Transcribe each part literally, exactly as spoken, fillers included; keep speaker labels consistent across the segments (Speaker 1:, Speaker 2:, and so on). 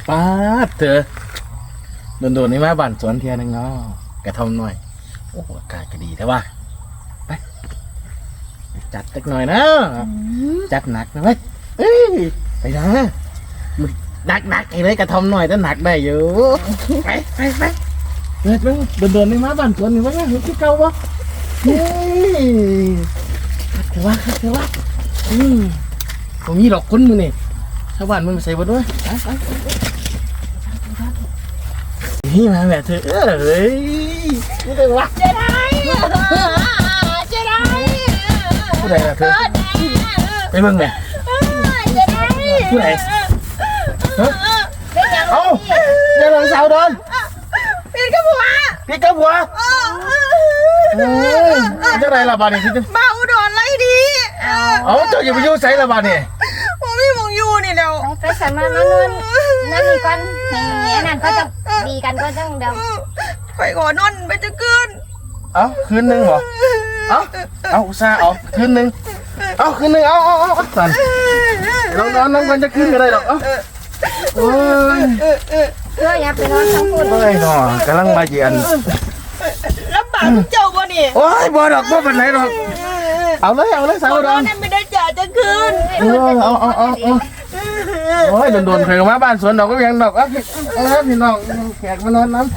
Speaker 1: ป้าเถอะโดนๆนี่มาบ้านสวนเทียนึงเนาะกระทำหน่อยโอ้อากาศก็ดีแต่ว่าไปจัดสักหน่อยนะจัดหนักนะเว้ยเอ้ยไปนะมึงหนักหนักไอ้เลยกระทำหน่อยแต่หนักได้อยู่ไปไปไปเดินไปโดนๆนี่มาบ้านสวนนี่วะเนี่ยเห็นที่เก่าปะเฮ้ยเถอะวะเถอะวะอืมผมมีหลอกคนมึงนี่ชาวบ้านมึงมาใส่บ่ด้วยนี่มาแบบเธอเอ้ยนี่เป็นวะ
Speaker 2: เจ๊ได้เจ๊ได้
Speaker 1: ผู้ใดล่ะเธอไปเบิ่งแม่
Speaker 2: เจ๊ได้
Speaker 1: ผู้ใดเฮ้ย
Speaker 2: เป็นยังไง
Speaker 1: เอ้าเจ้าหลงสาวโดน
Speaker 2: เป็นกระบัว
Speaker 1: พี่กับหัวเฮ้ยเจ้าไรล่ะบ้านนี่พี่
Speaker 2: มาอุดรไรดี
Speaker 1: เอ้าเจ้าอย่าไปยุ่งใส่ละบ้านนี่
Speaker 2: ผมไม่มองอยู่นี่เดี๋ยว
Speaker 3: ไปสามารถมานอนนั่นนี่ก่อนให้แง่นั่นก็จะดีกันก็จังเดี๋ยว
Speaker 2: ข่อยขอนอนไปจะคืน
Speaker 1: เอ้าคืนนึงเหรอเอ้าเอ้าอุตส่าห์เอาคืนนึงเอ้าคืนนึงเอ้าเอ้าเอ้าสั่นนอนนอนนอนกันจะคืนก็ได้หรอกเอ้าโอ้ย
Speaker 3: เพื่ออย่าไปนอนทั้งคืน
Speaker 1: โอ้ยหนอกำลังมาเยียน
Speaker 2: ลำบากเจ้าบ่นี่
Speaker 1: โอ้ยบ่ดอกบ่เป็นไรหรอกเอาเลยเอาเลยสาวโดน
Speaker 2: ไม่ได้จ่าจะคืน
Speaker 1: เออเอาเอาเอาเอาโอ้ยโดนๆเคยมาบ้านสวนดอกก็ยังดอกเอ้าเออพี่น้องแขกมานอนน้ำ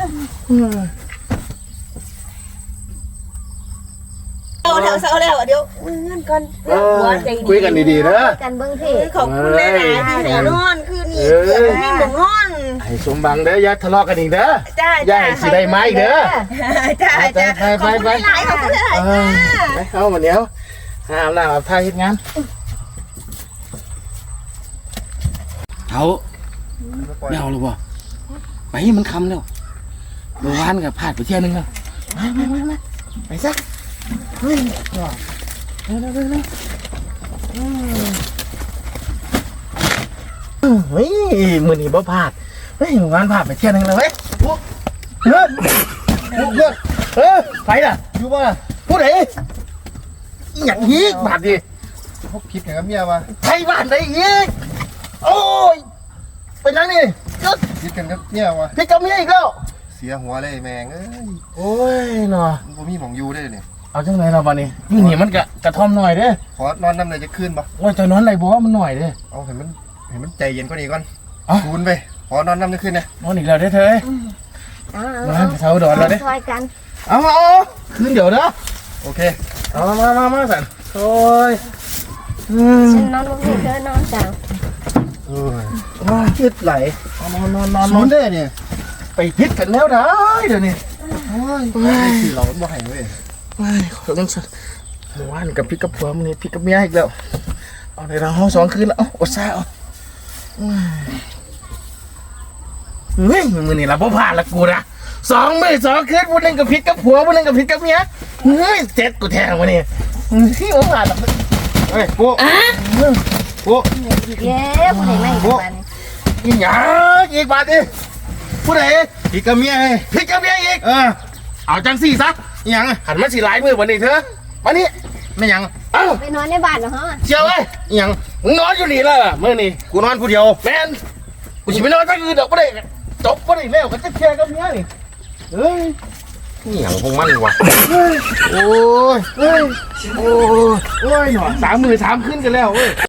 Speaker 2: เอาแล้วเอาแล้วเดี๋ยวเงินก่อน
Speaker 1: เออคุยกันดีๆนะ
Speaker 3: กันเบิ้งที่
Speaker 2: ขอบคุณหลายๆที่หนูนอนคืนนี้นี่หนูนอน
Speaker 1: ให้สมบังเด้ออย่าทะเลาะกันอีกเด้อ
Speaker 2: จ้า
Speaker 1: อย่าให้สิได้ไม้เด้อ
Speaker 2: จ้าจ้า
Speaker 1: ไปไป
Speaker 2: ขอบคุณ
Speaker 1: ไป
Speaker 2: หลายๆขอบคุณหลาย
Speaker 1: เอ
Speaker 2: ๆ
Speaker 1: อ
Speaker 2: จ้า
Speaker 1: ไปเข้ามาเดี๋ยวหาหน้ามาพาเฮ็ดงานเอาไม่เอาหรอวะไปมันคำแล้วเมื่อวานกับพลาดไปเที่ยวนึงแล้วมามามามาไปซะเฮ้ยเร็วเร็วเร็วเร็วเฮ้ยมือนี้บ่พลาดเฮ้ยเมื่อวานพลาดไปเที่ยวนึงแล้วเว้ยเฮ้ยเฮ้ยเฮ้ยไปล่ะอยู่บ่ล่ะผู้ใดอย่างนี้บาดดิ
Speaker 4: พวกผิดกับเมียว่ะ
Speaker 1: ไทยบ้านได้อีกโอ้ยเป็นยังนี่ก็
Speaker 4: ผิดกันกับเมียว่ะ
Speaker 1: พี่กับเมียอีกแล้ว
Speaker 4: เสียหัวเลยแมงเอ้ย
Speaker 1: โอ้ยเนาะ
Speaker 4: มันบ่มีหมองอยู่ได้เนี่ย
Speaker 1: เอาจังไหนเราบ้านี้อยู่นี่มันกะกระท่อมหน่อยเด้อ
Speaker 4: ขอนอนน้ำเลยจะขึ้นปะ
Speaker 1: ว่าจะนอนไรบ่มันหน่อยเด้อ
Speaker 4: เอาเห็นมันเห็นมันใจเย็นกว่านี้ก่อน
Speaker 1: เอ้า
Speaker 4: คูนไปขอนอนน้ำจะขึ้นนะ
Speaker 1: นอนอีกแล้วเด้อเธอ
Speaker 3: เอา
Speaker 1: มา
Speaker 3: เอา
Speaker 1: เช้าดอนแล้วเด้อ
Speaker 3: ซอยกัน
Speaker 1: เอาเอาคืนเดี๋ยวเด้อ
Speaker 4: โอเค
Speaker 1: เอามามามาสันโอ้ยอืม
Speaker 3: ฉันนอนบนที่เธอนอนจ้า
Speaker 4: เออ
Speaker 1: ว้าคิดไหลนอนนอนนอนน
Speaker 4: ศู
Speaker 1: อน
Speaker 4: นย์ได้เนี่ย
Speaker 1: ไปพิษกันแล้วได้เดี๋ยวนี้
Speaker 4: โอ้ยคือเราบ่ให้เว้ย
Speaker 1: ว้ายขอต้องสัเมื่อวานกับพี่กับผัวมันนี่พี่กับเมียอีกแล้วเอาในเราห้องสองคืนแล้วเอาอดซ่าเอาเฮ้ยมือนี่เราพ่ผ่านละกูนะสองมือสองคืนวันหนึงกับพี่กับผัววันหนึงกับพี่กับเมียเฮ้ยเจ็ดกูแทงวันนี้ที่โอ้ผ่านละ
Speaker 4: เฮ้ยปุ๊ปุ๊
Speaker 3: อีกแล้วผู้ใดไม่อีกวัน
Speaker 1: อีหยังอีกบาทดิผู้ใด
Speaker 4: ผิดกับเมียไง
Speaker 1: พี่กับเมียอีก
Speaker 4: เออ
Speaker 1: เอาจังสี่ซะ
Speaker 4: อิหยังอะ
Speaker 1: หันมาสีหลายมือวันนี้เถอะมานี่
Speaker 4: ไม่หยัง
Speaker 1: เอ้า
Speaker 3: ไปนอนในบ้านเหรอฮะ
Speaker 1: เชียวเว้ย
Speaker 4: อิหยัง
Speaker 1: มึงนอนอยู่นี่แล้วเมื่อนี่
Speaker 4: กูนอนผู้เดียว
Speaker 1: แมนกูจะไปนอนตั้งคืนดอกไม่ได้จบไม่ได้แล้วก็จะแชร์กับเมียนี่เฮ้ย
Speaker 4: อิหยังของมันวะ
Speaker 1: โอ้ยเฮ้ยโอ้ยโอ้ยหน่อยสามมือสามขึ้นกันแล้วเว้ย